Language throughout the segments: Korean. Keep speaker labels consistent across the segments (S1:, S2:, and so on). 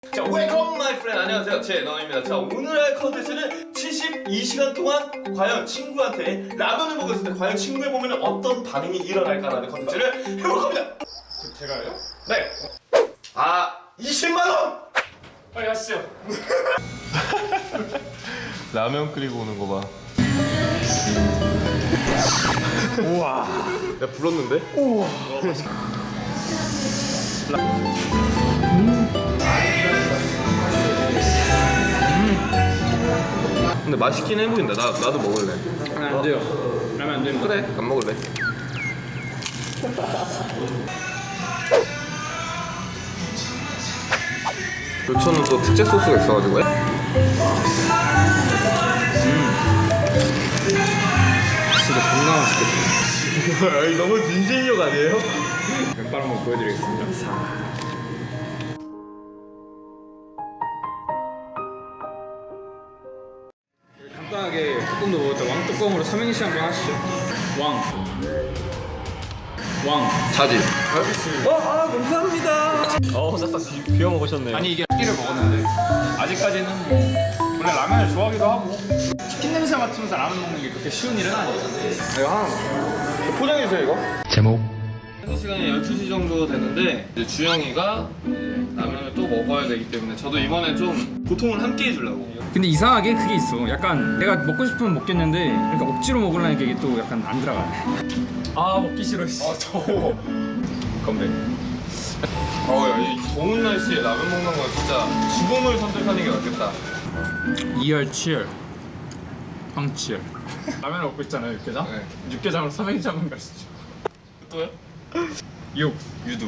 S1: 자, 웰컴 마이 프렌드. 안녕하세요, 제너입니다. 자, 오늘 할 컨텐츠는 72시간 동안 과연 친구한테 라면을 먹었을 때 과연 친구에 보면 어떤 반응이 일어날까라는 컨텐츠를 해볼 겁니다.
S2: 제가요?
S1: 네. 20만 원.
S2: 빨리 가시죠.
S1: 라면 끓이고 오는 거 봐.
S2: 우와.
S1: 내가 불렀는데?
S2: 우와.
S1: 근데 맛있긴 해 보인다. 나도 먹을래.
S2: 라면 안 돼요. 라면 안 됩니다.
S1: 그래, 안 먹을래. 교촌은 또 특제 소스가 있어가지고.
S2: 진짜 존나 맛있겠다.
S1: 너무 진심력 아니에요?
S2: 왼발 한번 보여드리겠습니다. 간단하게 뚜껑도 먹었다. 왕뚜껑으로 삼행시 한번 하시죠. 왕.
S1: 자지.
S2: 알겠습니다.
S1: 감사합니다. 싹싹 비워 먹으셨네요.
S2: 아니 이게 끼를 먹었는데 아직까지는 원래 라면을 좋아하기도 하고 치킨 냄새 맡으면서 라면 먹는 게 그렇게 쉬운 일은 아니에요.
S1: 이거 하나 포장해주세요, 이거.
S3: 제목
S1: 현재 시간이 12시 정도 됐는데 이제 주영이가 라면을 또 먹어야 되기 때문에 저도 이번에 좀 고통을 함께 해주려고.
S4: 근데 이상하게 그게 있어. 약간 내가 먹고 싶으면 먹겠는데 그러니까 억지로 먹으려니까 이게 또 약간 안 들어가네. 아 먹기 싫어.
S1: 더워. 건배. 야, 이 더운 날씨에 라면 먹는 건 진짜 죽음을 선택하는 게 낫겠다.
S4: 이열치열 황치열.
S2: 라면을 먹고 있잖아요, 육개장.
S1: 네.
S2: 육개장으로 삼행시 한번 가시죠.
S1: 또요?
S2: 육.
S1: 유두.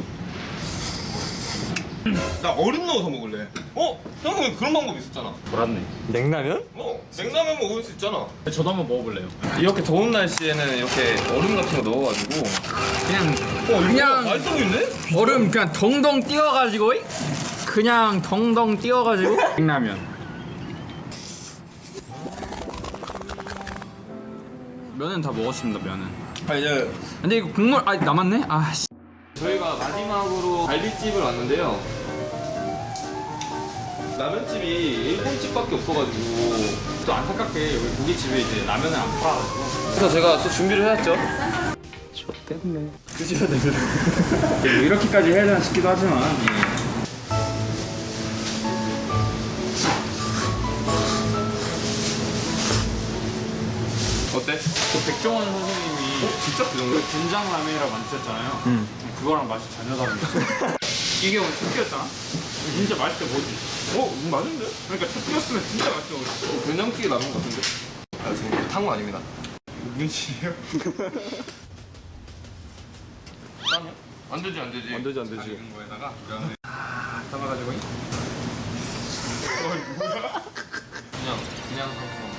S1: 나 얼음 넣어서 먹을래. 형은 그런 방법 있었잖아.
S2: 돌았네.
S1: 냉라면? 냉라면 먹을 수 있잖아.
S2: 저도 한번 먹어볼래요.
S1: 이렇게 더운 날씨에는 이렇게 얼음 같은 거 넣어가지고.
S4: 그냥 그냥
S1: 맛있어 보이네?
S4: 얼음 그냥 덩덩 띄워가지고 그냥 덩덩 띄워가지고 냉라면. 면은 다 먹었습니다. 면은.
S1: 이제
S4: 근데 이거 국물 남았네. 씨.
S1: 저희가 마지막으로 갈비집을 왔는데요. 라면집이 일본집밖에 없어가지고
S2: 또 안타깝게 여기 고깃집에 이제 라면을 안 팔아가지고
S1: 그래서 제가 또 준비를 해왔죠.
S4: 드셔야 됩니다. 뭐 이렇게까지 해야 되나 싶기도 하지만.
S1: 어때?
S2: 그 백종원 선생님이
S1: 진짜 그 정도야?
S2: 된장 라면이라고 만드셨잖아요. 그거랑 맛이 전혀 다릅니다. 이게 오늘 첫 끼였잖아. 진짜 맛있게 먹을 수 있어.
S1: 맞은데?
S2: 그러니까 첫 끼였으면 진짜 맛있게 먹을 수 있어.
S1: 된장찌개 라면 같은데? 지금 탄 거 아닙니다.
S2: 눈치예요?
S1: 안 되지, 안 되지.
S2: 안 되지, 안 되지.
S1: 익은 거에다가
S2: 담아가지고.
S1: 그냥 상품.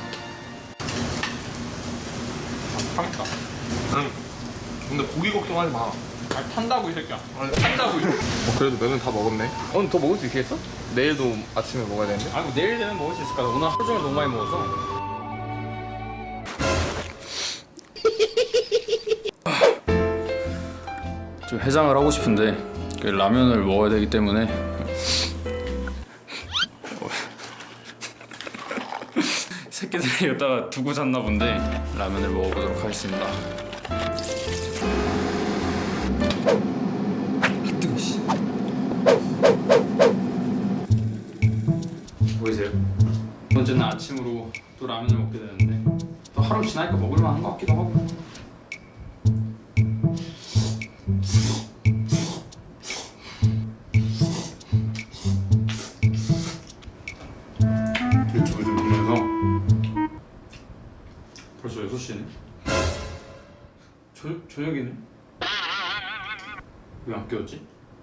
S2: 타겠다.
S1: 근데 고기 걱정하지 마.
S2: 탄다고 이 새끼야.
S1: 탄다고. 그래도 면은 다 먹었네. 오늘 더 먹을 수 있겠어? 내일도 아침에 먹어야 되는데?
S2: 아니 뭐 내일 되면 먹을 수 있을 거야. 오늘 하루 종일 너무 많이 먹어서.
S4: 좀 해장을 하고 싶은데 그 라면을 먹어야 되기 때문에 새끼들이 여기다가 두고 잤나 본데 라면을 먹어보도록 하겠습니다. 뜨거 씨. 보이세요? 두 번째는 아침으로 또 라면을 먹게 되는데 또 하루 지나니까 먹을만한 것 같기도 하고. 유튜브 좀 보면서 벌써 6시네? 저녁이네? 왜 안 깨웠지?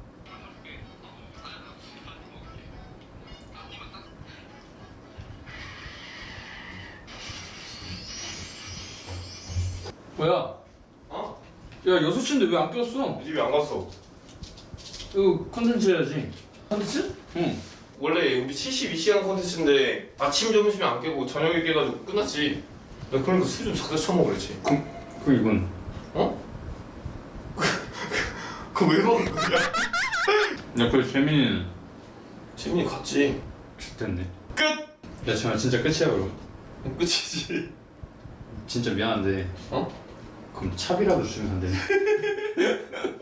S4: 뭐야? 야 6시인데 왜 안 깨웠어?
S1: 집에 안 갔어.
S4: 이거 컨텐츠 해야지.
S1: 컨텐츠?
S4: 응.
S1: 원래 우리 72시간 컨텐츠인데 아침 점심에 안 깨고 저녁에 깨가지고 끝났지. 나 그러니까 술 좀 적게 처먹으랬지.
S4: 그 이건
S1: 그거 왜 먹은 거야?
S4: 야, 그래 재민이는
S1: 지민이 갔지.
S2: 됐네.
S1: 끝!
S2: 야 정말 진짜 끝이야 그럼.
S1: 끝이지.
S2: 진짜 미안한데
S1: 어?
S2: 그럼 차비라도 주면 안 되냐?